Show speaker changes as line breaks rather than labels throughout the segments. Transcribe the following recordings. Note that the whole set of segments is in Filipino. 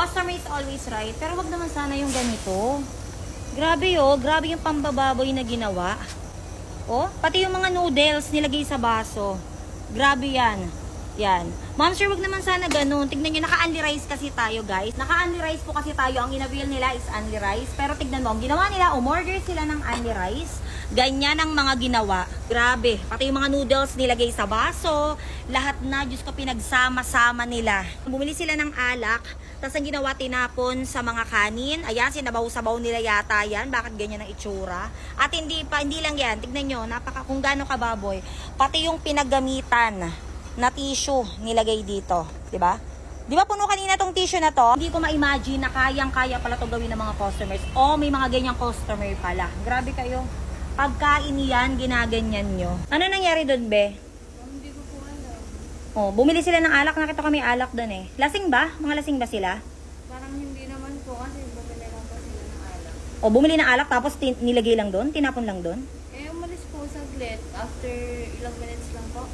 Customer is always right. Pero wag naman sana yung ganito. Grabe oh, grabe yung pambababoy na ginawa. Oh, pati yung mga noodles nilagay sa baso. Grabe yan. Yan. Ma'am sir, wag naman sana ganun. Tignan nyo, naka-unli rice kasi tayo guys. Naka-unli rice po kasi tayo. Ang in-avail nila is unli rice. Pero tignan mo, ang ginawa nila, umorder sila ng unli rice. Ganyan ang mga ginawa. Grabe. Pati yung mga noodles nilagay sa baso. Lahat na, Diyos ko, pinagsama-sama nila. Bumili sila ng alak. Tapos ang ginawa, tinapon sa mga kanin. Ayan, sinabaw-sabaw nila yata yan. Bakit ganyan ang itsura? At hindi lang yan. Tignan nyo, kung gaano kababoy. Pati yung pinagamitan na tissue nilagay dito, 'di ba? 'Di ba puno kanina tong tissue na to? Hindi ko ma-imagine na kayang-kaya pala 'to gawin ng mga customers. O may mga ganyang customer pala. Grabe kayo. Pagkain yan, ginaganyan nyo. Ano nangyari doon, be?
Hindi ko po alam.
Oh, bumili sila ng alak, nakita kami alak doon eh. Lasing ba? Mga lasing ba sila?
Parang hindi naman po kasi bumili lang po sila ng alak.
O bumili ng alak tapos nilagay lang doon, tinapon lang doon.
Eh, umalis po saglit. After ilang minutes lang po.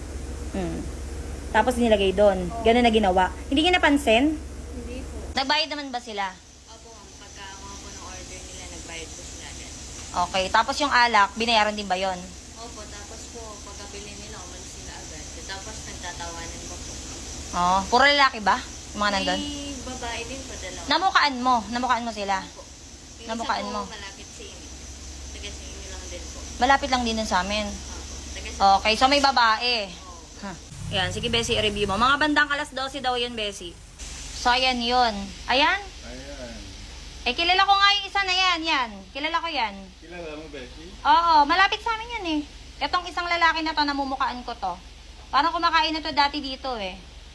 Tapos nilagay doon. Ganun na ginawa. Hindi niya napansin?
Hindi po.
Nagbayad naman ba sila?
Opo, pagka mga po ng order nila, nagbayad po sila agad.
Okay, tapos yung alak, binayaran din ba yon?
Opo, tapos po, pagkabili nila, umalis sila agad. Tapos nagtatawanan po po.
Oh, puro lalaki ba? Yung mga nandun?
May babae din po, dalawa.
Namukaan mo sila.
Opo. Yung
Namukaan
isa
mo.
po, malapit sa inyo. Taga sa inyo lang din po.
Malapit lang din dun sa amin.
Opo. Taga sa
Okay, so may babae.
Opo.
Huh. Yan, sige Bessie, i-review mo. Mga bandang alas 12 daw yun, Bessie. So, ayan yun. Ayan?
Ayan.
Eh, kilala ko nga yung isa na yan. Kilala ko yan.
Kilala mo, Becky?
Oo, malapit sa amin yan eh. Itong isang lalaki na to, namumukaan ko to. Parang kumakain na to dati dito eh.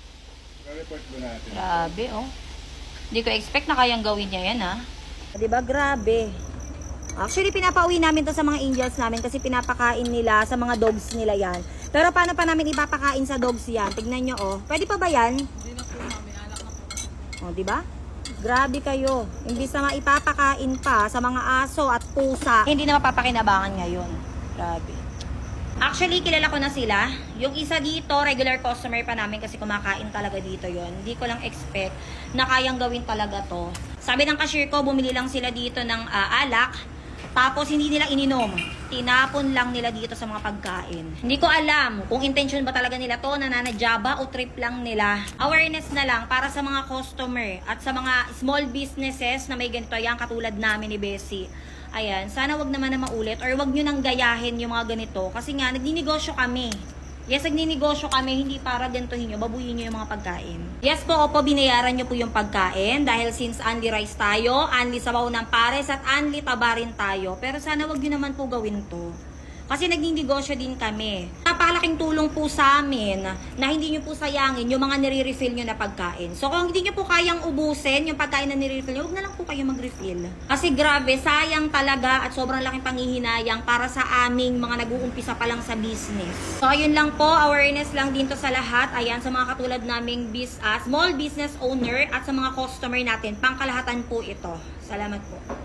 Report mo natin.
Grabe, oh. Hindi ko expect na kayang gawin niya yan, ha? Diba, grabe. Actually, pinapauwi namin to sa mga angels namin kasi pinapakain nila sa mga dogs nila yan. Pero paano pa namin ipapakain sa dogs yan? Tignan nyo, oh. Pwede pa ba yan?
Hindi na po, mami. Alak na po.
Oh, diba? Grabe kayo. Imbis na maipapakain pa sa mga aso at pusa, hindi na mapapakinabangan ngayon. Grabe. Actually, kilala ko na sila. Yung isa dito, regular customer pa namin kasi kumakain talaga dito yon. Hindi ko lang expect na kayang gawin talaga to. Sabi ng cashier ko, bumili lang sila dito ng alak. Tapos hindi nila ininom. Tinapon lang nila dito sa mga pagkain. Hindi ko alam kung intention ba talaga nila to, nananadya ba o trip lang nila. Awareness na lang para sa mga customer at sa mga small businesses na may ganito yan katulad namin ni Bessie. Ayan, sana wag naman na maulit or wag nyo nang gayahin yung mga ganito. Kasi nga, nagninegosyo kami. Yes, nagninegosyo kami, hindi para gantuhin nyo, babuyin nyo yung mga pagkain. Yes po, opo, binayaran nyo po yung pagkain dahil since unli rice tayo, unli sabaw ng pares at unli taba rin tayo. Pero sana wag nyo naman po gawin to. Kasi nagninegosyo din kami. Napakalaking tulong po sa amin na hindi nyo po sayangin yung mga nire-refill nyo na pagkain. So kung hindi nyo po kayang ubusin yung pagkain na nire-refill nyo, huwag na lang po kayo mag-refill. Kasi grabe, sayang talaga at sobrang laking panghihinayang para sa aming mga nag-uumpisa pa lang sa business. So ayun lang po, awareness lang din to sa lahat. Ayan, sa mga katulad naming small business owner at sa mga customer natin, pangkalahatan po ito. Salamat po.